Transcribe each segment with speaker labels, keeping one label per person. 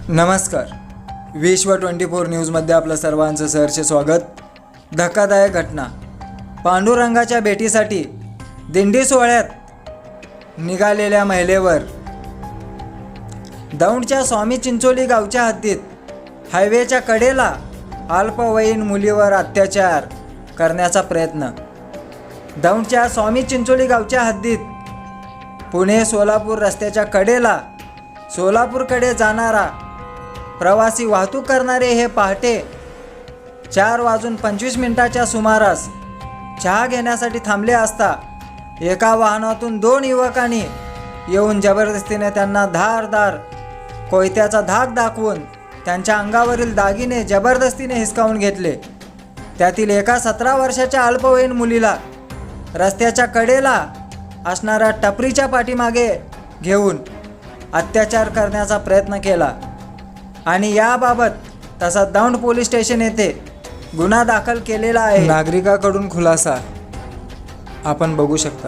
Speaker 1: नमस्कार. विश्व 24 न्यूजमध्ये आपलं सर्वांचं सहर्ष स्वागत. धक्कादायक घटना. पांडुरंगाच्या भेटीसाठी दिंडी सोहळ्यात निघालेल्या महिलेवर दौंडच्या स्वामी चिंचोली गावच्या हद्दीत हायवेच्या कडेला अल्पवयीन मुलीवर अत्याचार करण्याचा प्रयत्न. दौंडच्या स्वामी चिंचोली गावच्या हद्दीत पुणे सोलापूर रस्त्याच्या कडेला सोलापूरकडे जाणारा प्रवासी वाहतूक करणारे हे पहाटे 4:25 सुमारास चहा घेण्यासाठी थांबले असता एका वाहनातून 2 युवकांनी येऊन जबरदस्तीने त्यांना धारदार कोयत्याचा धाक दाखवून त्यांच्या अंगावरील दागिने जबरदस्तीने हिसकावून घेतले. त्यातील एका 17 वर्षाच्या अल्पवयीन मुलीला रस्त्याच्या कडेला असणाऱ्या टपरीच्या पाठीमागे घेऊन अत्याचार करण्याचा प्रयत्न केला आणि याबाबत तसा दौंड पोलीस स्टेशन येथे गुन्हा दाखल केलेला आहे. नागरिकाकडून खुलासा आपण बघू शकता.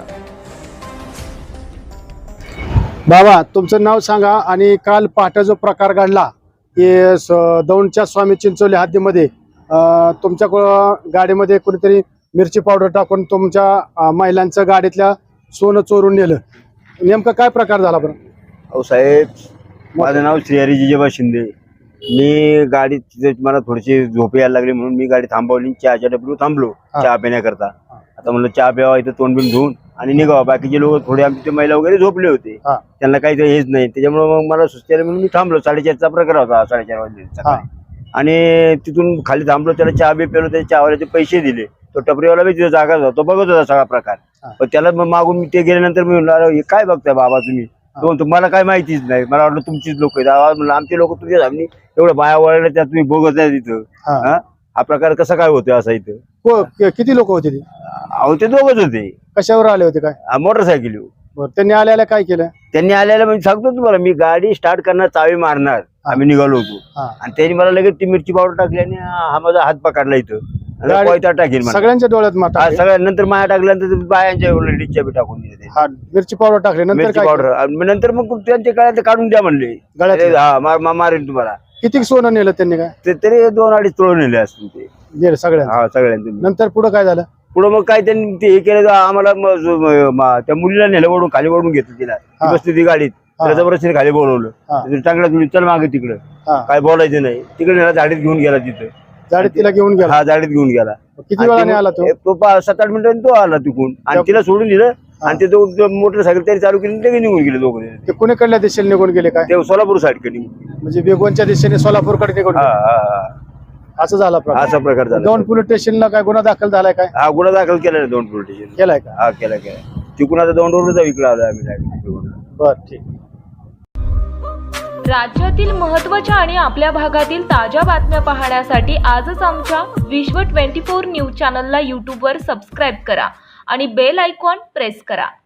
Speaker 2: बाबा, तुमचं नाव सांगा आणि काल पहाटे जो प्रकार घडला की दौंडच्या स्वामी चिंचोली हद्दीमध्ये तुमच्या गाडीमध्ये कुणीतरी मिरची पावडर टाकून तुमच्या महिलांचं गाडीतल्या सोनं चोरून नेलं, नेमका काय प्रकार झाला बरं?
Speaker 3: अहो साहेब, माझं नाव श्रीहरी जिजेबा शिंदे. मी गाडी मला थोडीशी झोप यायला लागली म्हणून मी गाडी थांबवली. चहाच्या डबीवर थांबलो चहा पिण्याकरता. आता म्हणलं चहा प्यावा, इथं तोंड बिन धुवून आणि निघावा. बाकीचे लोक थोडे आमचे महिला वगैरे झोपले होते, त्यांना काही हेच नाही. त्याच्यामुळे मग मला सुस्ती आली म्हणून मी थांबलो. 4:30चा प्रकार होता, 4:30 वाजले. आणि तिथून खाली थांबलो, त्याला चहा बी पेलो, त्याच्या चहावाल्याचे पैसे दिले. तो टपरीवाला बी तिथे जागा होता, तो बघत होता सगळा प्रकार. पण त्याला मागून मी ते गेल्यानंतर मी म्हणलो, हे काय बघताय बाबा तुम्ही? तुम्हाला काय माहितीच नाही. मला वाटलं तुमचीच लोक आहेत. आवाज म्हणलं आमचे लोक तुमच्या सामने एवढं बाया वळले, त्यात तुम्ही बघत नाही तिथं. हा प्रकार कसा काय होतोय असा इथं?
Speaker 2: किती लोक होते?
Speaker 3: अहो ते दोघच होते.
Speaker 2: कशावर आले होते? काय
Speaker 3: मोटरसायकल.
Speaker 2: त्यांनी आल्याला काय केलं?
Speaker 3: त्यांनी आल्याला म्हणजे सांगतो तुम्हाला, मी गाडी स्टार्ट करणार, चावी मारणार, आम्ही निघालो होतो आणि त्यांनी मला लगेच ती मिरची पावडर टाकली आणि हा माझा हात पकडला इथं. कोयता टाकेल
Speaker 2: सगळ्यांच्या डोळ्यात माता.
Speaker 3: सगळ्यानंतर माया टाकल्यानंतर बायांच्या लेडीजच्या बी टाकून दिले.
Speaker 2: मिरची पावडर टाकली नंतर
Speaker 3: पावडर नंतर मग त्यांच्या गळ्यात काढून द्या म्हणले. गळ्यात मारेल तुम्हाला.
Speaker 2: किती सोनं नेलं त्यांनी? काय
Speaker 3: तरी 2-2.5 तोळ नेले असतील ते.
Speaker 2: नेलं सगळ्या?
Speaker 3: सगळ्यांनी.
Speaker 2: नंतर पुढे काय झालं?
Speaker 3: पुढे मग काय त्यांनी ते हे केलं, आम्हाला त्या मुलीला नेलं, वडून खाली वडून घेतलं. तिला बसली ती गाडीत, जबरदस्तीने खाली बोलवलं. चांगला तुम्ही चल मागे तिकडं, काय बोलायचं नाही. तिकडे नेला, झाडीत घेऊन गेला. तिथं
Speaker 2: झाडीत तिला घेऊन गेला?
Speaker 3: हा, झाडीत घेऊन गेला.
Speaker 2: किती वेळाने आला तो?
Speaker 3: 7-8 मिनिटांनी तो आला तिकून आणि तिला सोडून दिलं. आणि ते दोघं मोटरसायकल त्यांनी चालू केली, ते निघून गेले दोघं.
Speaker 2: ते कुणीकडल्या दिशेने निघून गेले? काय
Speaker 3: ते सोलापूर साईडकडे,
Speaker 2: म्हणजे बेगोनच्या दिशेने सोलापूरकडे निघून? असं झाला प्रकार?
Speaker 3: असा प्रकार झाला.
Speaker 2: दौंड पोलीस स्टेशनला काय गुन्हा दाखल झालाय? काय
Speaker 3: हा, गुन्हा दाखल केलाय दौंड पोलीस स्टेशन.
Speaker 2: केलाय का?
Speaker 3: हा, केला. तिकून आता दौंडवरून इकडे आलो आम्ही.
Speaker 2: बर, ठीक.
Speaker 4: राज्यातील महत्त्वाच्या आणि आपल्या भागातील ताज्या बातम्या पाहण्यासाठी आजच आमच्या विश्व 24 न्यूज चॅनलला यूट्यूबवर सबस्क्राईब करा आणि बेल आयकॉन प्रेस करा.